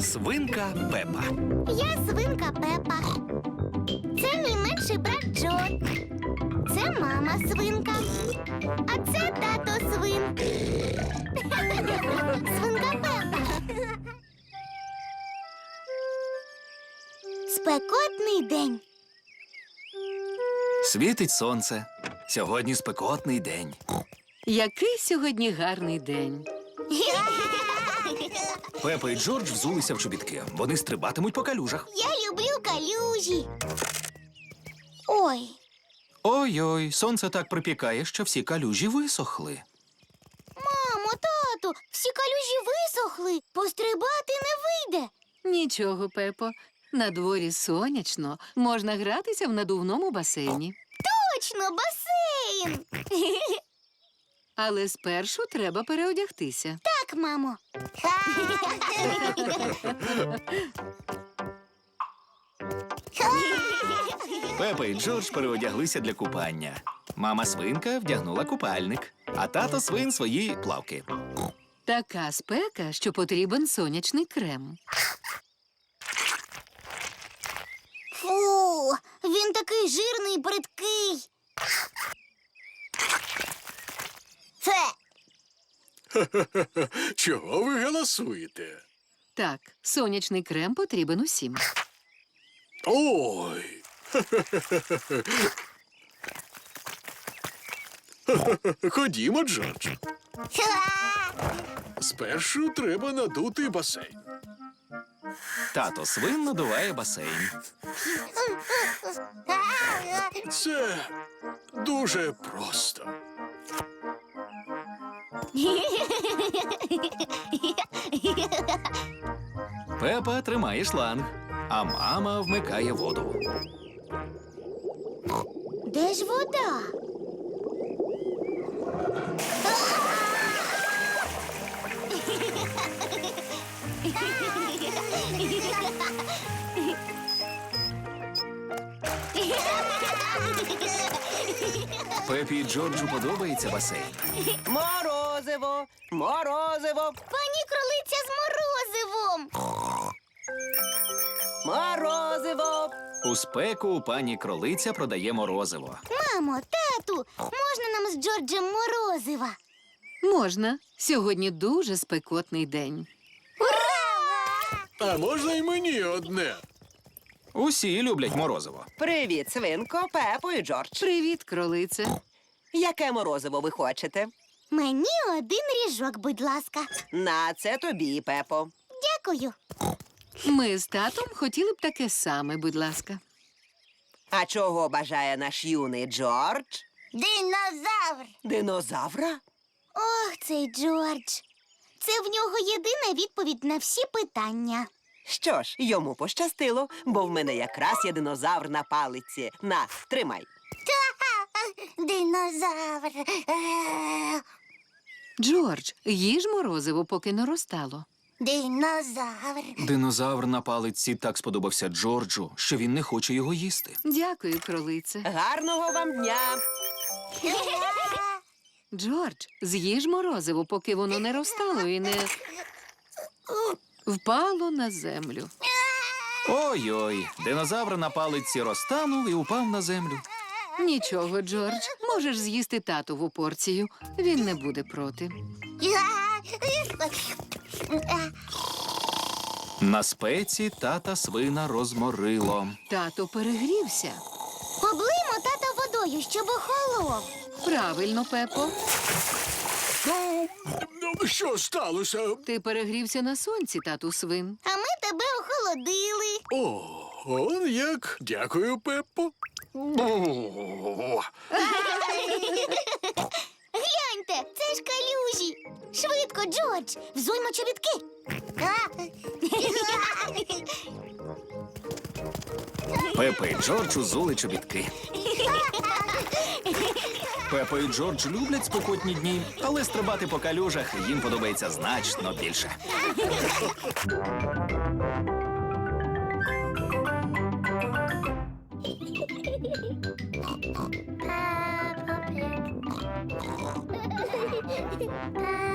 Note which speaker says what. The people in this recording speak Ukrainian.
Speaker 1: Свинка Пепа.
Speaker 2: Я свинка Пепа. Це мій менший брат Джо. Це мама свинка. А це тато свин. Свинка Пепа. Спекотний день.
Speaker 1: Світить сонце. Сьогодні спекотний день.
Speaker 3: Який сьогодні гарний день.
Speaker 1: Пепа і Джордж взулися в чобітки. Вони стрибатимуть по калюжах.
Speaker 2: Я люблю калюжі. Ой,
Speaker 1: Ой-ой, сонце так припікає, що всі калюжі висохли.
Speaker 2: мамо, тату, всі калюжі висохли. Пострибати не вийде.
Speaker 3: Нічого, Пепо. На дворі сонячно, можна гратися в надувному басейні.
Speaker 2: Точно, басейн.
Speaker 3: Але спершу треба переодягтися.
Speaker 2: Так, мамо.
Speaker 1: Пепа і Джордж переодяглися для купання. Мама свинка вдягнула купальник, а тато свин свої плавки.
Speaker 3: Така спека, що потрібен сонячний крем.
Speaker 2: Фу, він такий жирний і бридкий. Фе.
Speaker 4: Чого ви галасуєте?
Speaker 3: Так, сонячний крем потрібен усім.
Speaker 4: Ой. Ходімо, Джордж. Спершу треба надути басейн.
Speaker 1: Тато свин надуває басейн.
Speaker 4: Це дуже просто.
Speaker 1: Пепа тримає шланг, а мама вмикає воду.
Speaker 2: Де ж вода?
Speaker 1: Пепі і Джорджу подобається басейн.
Speaker 5: Морозиво! Морозиво!
Speaker 2: Пані кролиця з морозивом.
Speaker 5: Морозиво!
Speaker 1: У спеку пані кролиця продає морозиво.
Speaker 2: Мамо, тату, можна нам з Джорджем морозива?
Speaker 3: Можна. Сьогодні дуже спекотний день.
Speaker 4: А можна й мені одне?
Speaker 1: Усі люблять морозиво.
Speaker 5: Привіт, свинко, Пепо і Джордж.
Speaker 3: Привіт, кролице.
Speaker 5: Яке морозиво ви хочете?
Speaker 2: Мені один ріжок, будь ласка.
Speaker 5: На це тобі, Пепо.
Speaker 2: Дякую.
Speaker 3: Ми з татом хотіли б таке саме, будь ласка.
Speaker 5: А чого бажає наш юний Джордж?
Speaker 2: Динозавр.
Speaker 5: Динозавра?
Speaker 2: Ох, цей Джордж. Це в нього єдина відповідь на всі питання.
Speaker 5: Що ж, йому пощастило, бо в мене якраз є динозавр на палиці. На, тримай.
Speaker 2: Динозавр.
Speaker 3: Джордж, їж морозиво, поки не розтало.
Speaker 2: Динозавр.
Speaker 1: Динозавр на палиці так сподобався Джорджу, що він не хоче його їсти.
Speaker 3: Дякую, кролице.
Speaker 5: Гарного вам дня!
Speaker 3: Джордж, з'їж морозиво, поки воно не розтало і не впало на землю.
Speaker 1: Ой-ой, динозавр на палиці розтанув і упав на землю.
Speaker 3: Нічого, Джордж, можеш з'їсти татову порцію. Він не буде проти.
Speaker 1: На спеці тата свина розморило.
Speaker 3: Тато перегрівся.
Speaker 2: Облиймо тата водою, щоб охолов.
Speaker 3: Правильно, Пепо.
Speaker 4: Ну, що сталося?
Speaker 3: Ти перегрівся на сонці, тату свин.
Speaker 2: А ми тебе охолодили.
Speaker 4: О, он як. Дякую, Пеппо.
Speaker 2: Гляньте, це ж калюжі. Швидко, Джордж, взуймо чобітки.
Speaker 1: Пепа і Джордж узули чобітки. Пепа і Джордж люблять спекотні дні, але стрибати по калюжах їм подобається значно більше.
Speaker 2: Peppa Pig.